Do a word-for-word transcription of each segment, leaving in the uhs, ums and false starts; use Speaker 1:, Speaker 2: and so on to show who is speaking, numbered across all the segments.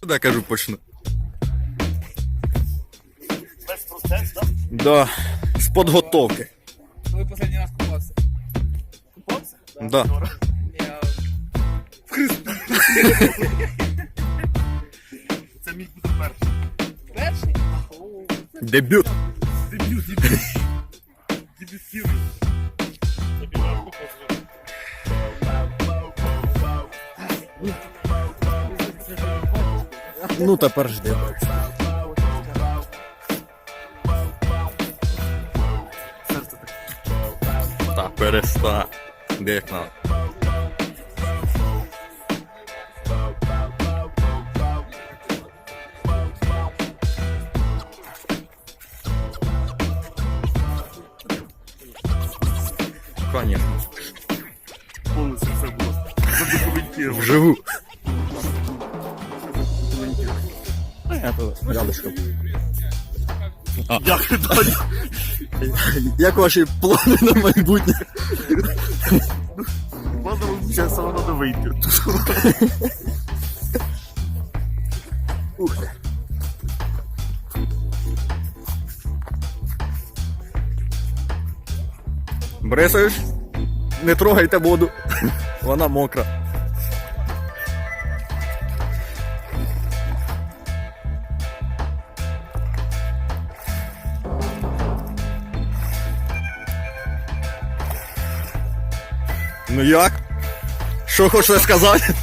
Speaker 1: Куди, кажу, почну.
Speaker 2: Весь процес, так?
Speaker 1: Да, з підготовки.
Speaker 3: Коли останній раз купався?
Speaker 2: Купався?
Speaker 1: Да.
Speaker 3: Я...
Speaker 2: Це мій буде перший.
Speaker 3: Перший?
Speaker 1: Дебют.
Speaker 2: Дебют, дебют. Дебютівний. Тобі на руку позвоню.
Speaker 1: Ну, тепер жди.
Speaker 2: Серце таке.
Speaker 1: Та перестань. Де як надо. Конечно.
Speaker 2: Повністю все було задокументировано.
Speaker 1: Вживу. Рядышком.
Speaker 2: Як далі?
Speaker 1: Як ваші плани на майбутнє?
Speaker 2: Ладно, мені зараз саме треба вийти.
Speaker 1: Ух ти. Борисович, не трогайте воду. Вона мокра. Ну як? Що хочете сказати?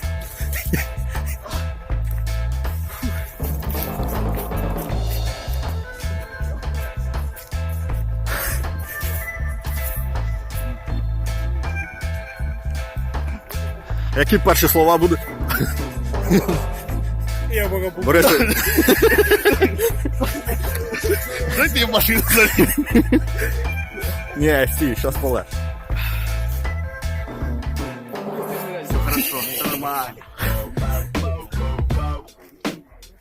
Speaker 1: Які перші слова будуть?
Speaker 3: Я поки був.
Speaker 1: Борисович,
Speaker 2: Дайте я машину заліз.
Speaker 1: ні, стій, щас поле.
Speaker 2: Все хорошо, все нормально.